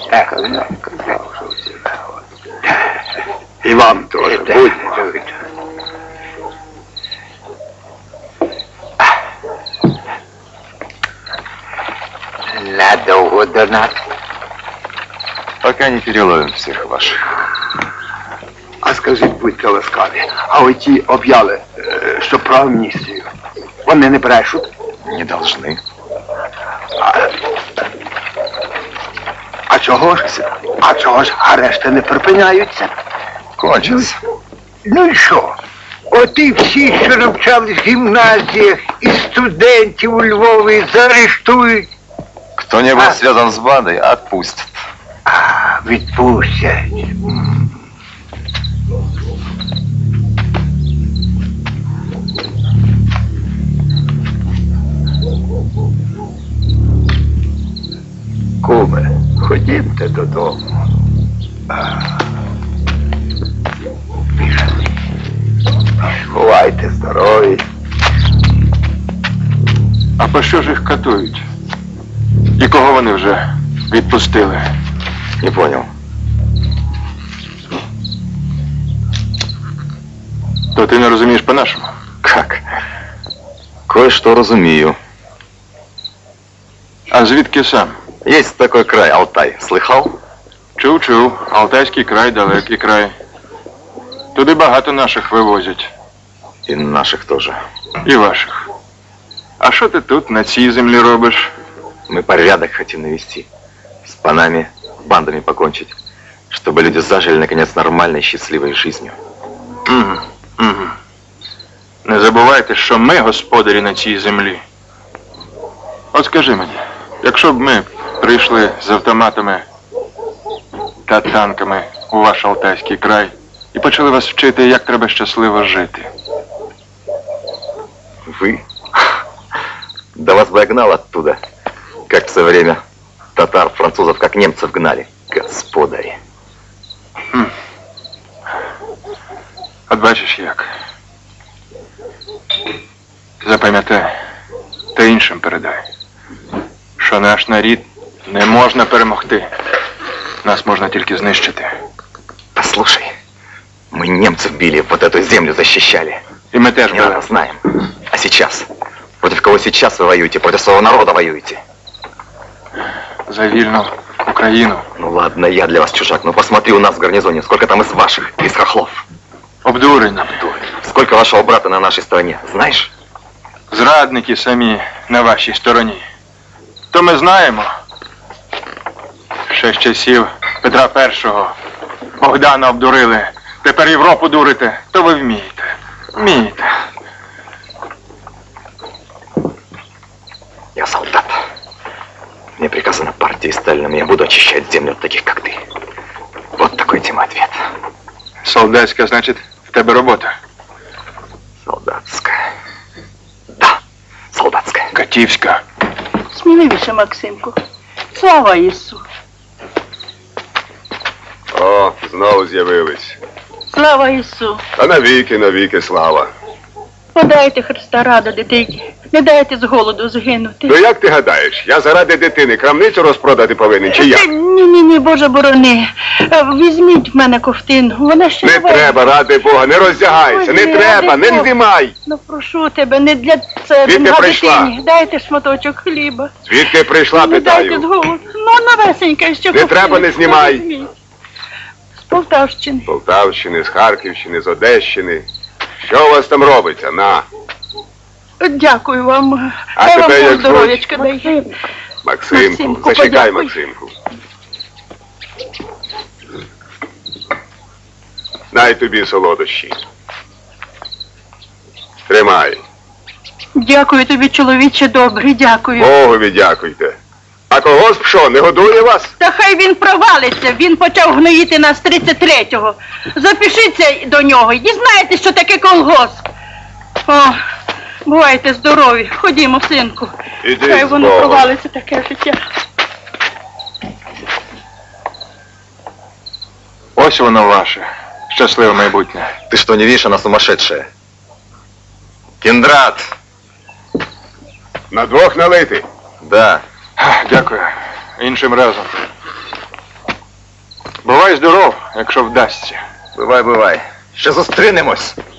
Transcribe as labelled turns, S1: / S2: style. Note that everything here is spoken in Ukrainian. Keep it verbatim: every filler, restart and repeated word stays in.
S1: Казав, казав, що всі. І вам теж, будьмо. Надовго до нас.
S2: Пока не переловим всех ваших.
S1: А скажіть, будьте ласкаві, а оті об'яли, що про амністію, вони не брешуть?
S2: Не должны.
S1: А, а чого ж? А чого ж арешти не припиняються?
S2: Кончится.
S1: Ну і що? От і всі, що навчались в гімназіях, і студентів у Львові заарештують.
S2: Кто не был а? связан с бандой, отпустят.
S1: А, відпустять. Куме, ходімте додому. Бувайте здорові.
S3: А по що ж їх катують? І кого вони вже відпустили?
S2: Не понял.
S3: То ти не розумієш по-нашому?
S2: Как? Кое-что разумею.
S3: А звідки сам?
S2: Есть такой край, Алтай. Слыхал?
S3: Чув-чув. Алтайський край, далекий край. Туди багато наших вивозять.
S2: І наших тоже.
S3: І ваших. А що ти тут, на цій землі робиш?
S2: Мы порядок хотим навести. С панами, бандами покончить. Чтобы люди зажили, наконец, нормальной, счастливой жизнью.
S3: Угу, угу. Не забувайте, що ми господарі на цій землі. От скажи мені, якщо б ми прийшли з автоматами та танками у ваш Алтайський край і почали вас вчити, як треба щасливо жити.
S2: Вы? Да вас бы я гнал оттуда, как в свое время татар, французов, как немцев гнали. Господари.
S3: Хм. От бачиш як. Запам'ятай, та іншим передай, що наш народ не можна перемогти. Нас можна тільки знищити.
S2: Послушай, мы немцев били, вот эту землю защищали.
S3: И мы тоже
S2: били. Знаем. А сейчас? Против кого сейчас вы воюете? Против своего народа воюете?
S3: За вильную Украину.
S2: Ну ладно, я для вас чужак, но посмотри у нас в гарнизоне, сколько там из ваших, из хохлов.
S3: Обдурень.
S2: Обдурень. Сколько вашего брата на нашей стороне, знаешь?
S3: Зрадники самі на вашій стороні. То ми знаємо. Ще з часів Петра Першого Богдана обдурили. Тепер Європу дурите. То ви вмієте. Вмієте.
S2: Я солдат. Мне приказано партией Сталином, я буду очищать землю от таких, как ты. Вот такой тебе ответ.
S3: Солдатська, значить, в тебе робота?
S2: Солдатская. Да, солдатская.
S3: Катівська.
S4: Сміливіше, Максимку. Слава Ісу.
S5: О, знову з'явились.
S4: Слава Ісу.
S5: А навіки, навіки слава.
S4: Подайте Христа рада дитині. Не дайте з голоду згинути.
S5: Ну як ти гадаєш, я заради дитини крамницю розпродати повинен, чи як?
S4: Ні-ні-ні, Боже борони. Візьміть в мене ковтину, вона ще
S5: не треба, ради Бога, не роздягайся, не треба, не знімай.
S4: Ну прошу тебе, не для себе,
S5: на
S4: дитині. Дайте шматочок хліба.
S5: Звідки прийшла, питаю?
S4: Не дайте з голоду. Ну, новесенька, що ковтину.
S5: Не треба, не знімай.
S4: З Полтавщини.
S5: З Полтавщини, з Харківщини, з Одещини. Що у вас там робиться, на?
S4: Дякую вам.
S5: А
S4: Хай
S5: тебе
S4: вам
S5: як
S4: здоров'ячка дає.
S5: Максимку,
S4: Максимку,
S5: зачекай,
S4: подякуй.
S5: Максимку. Дай тобі солодощі. Тримай.
S4: Дякую тобі, чоловіче добрий, дякую.
S5: Богові дякуйте. А когось що, не годує вас?
S4: Та хай він провалиться, він почав гноїти нас тридцять третього. Запишіться до нього і дізнаєтесь, що таке колгосп. О, бувайте здорові, ходімо, синку.
S5: Іди
S4: хай
S5: з
S4: воно
S5: Богом.
S4: провалиться таке життя.
S3: Ось воно ваше. Щасливе майбутнє.
S2: Ты что, не видишь, она сумасшедшая? Кендрат!
S5: На двох налити.
S2: Да.
S3: Дякую. Іншим разом. Бувай здоров, якщо вдасться.
S2: Бувай, бувай. Ще зустрінемось.